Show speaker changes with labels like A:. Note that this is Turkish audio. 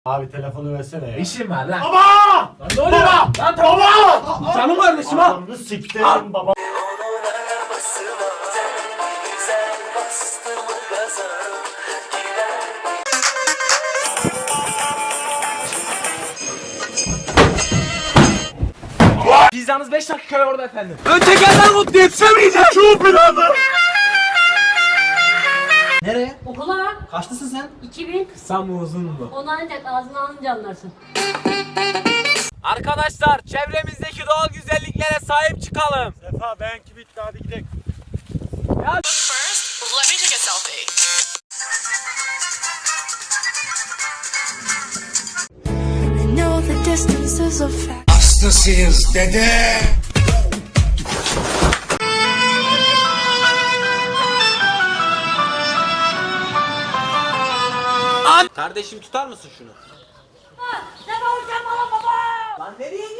A: Abi telefonu versene ya.
B: İşim var lan.
A: Baba!
B: Lan ne oluyor lan? Lan tamam.
A: Baba!
B: Canım kardeşim ha.
A: Adamını siktirin baba.
B: Pizzanız 5 dakika orada efendim. Ön tekerden mutlu yetişemeyeceğim.
A: Şu planı.
B: Nereye?
C: Okula
B: Kaçlısın sen?
C: 2000
B: Kısa mı uzun mu?
C: onu ancak ağzına alınca anlarsın.
B: Arkadaşlar çevremizdeki doğal güzelliklere sahip çıkalım.
A: Sefa benimki bitti hadi gidelim.
D: First, let me take a selfie.
E: I know the distance is a fact.
F: Hastasıyız dede.
B: Kardeşim tutar mısın şunu?
C: Ne bağıracağım bana baba?
B: Lan nereye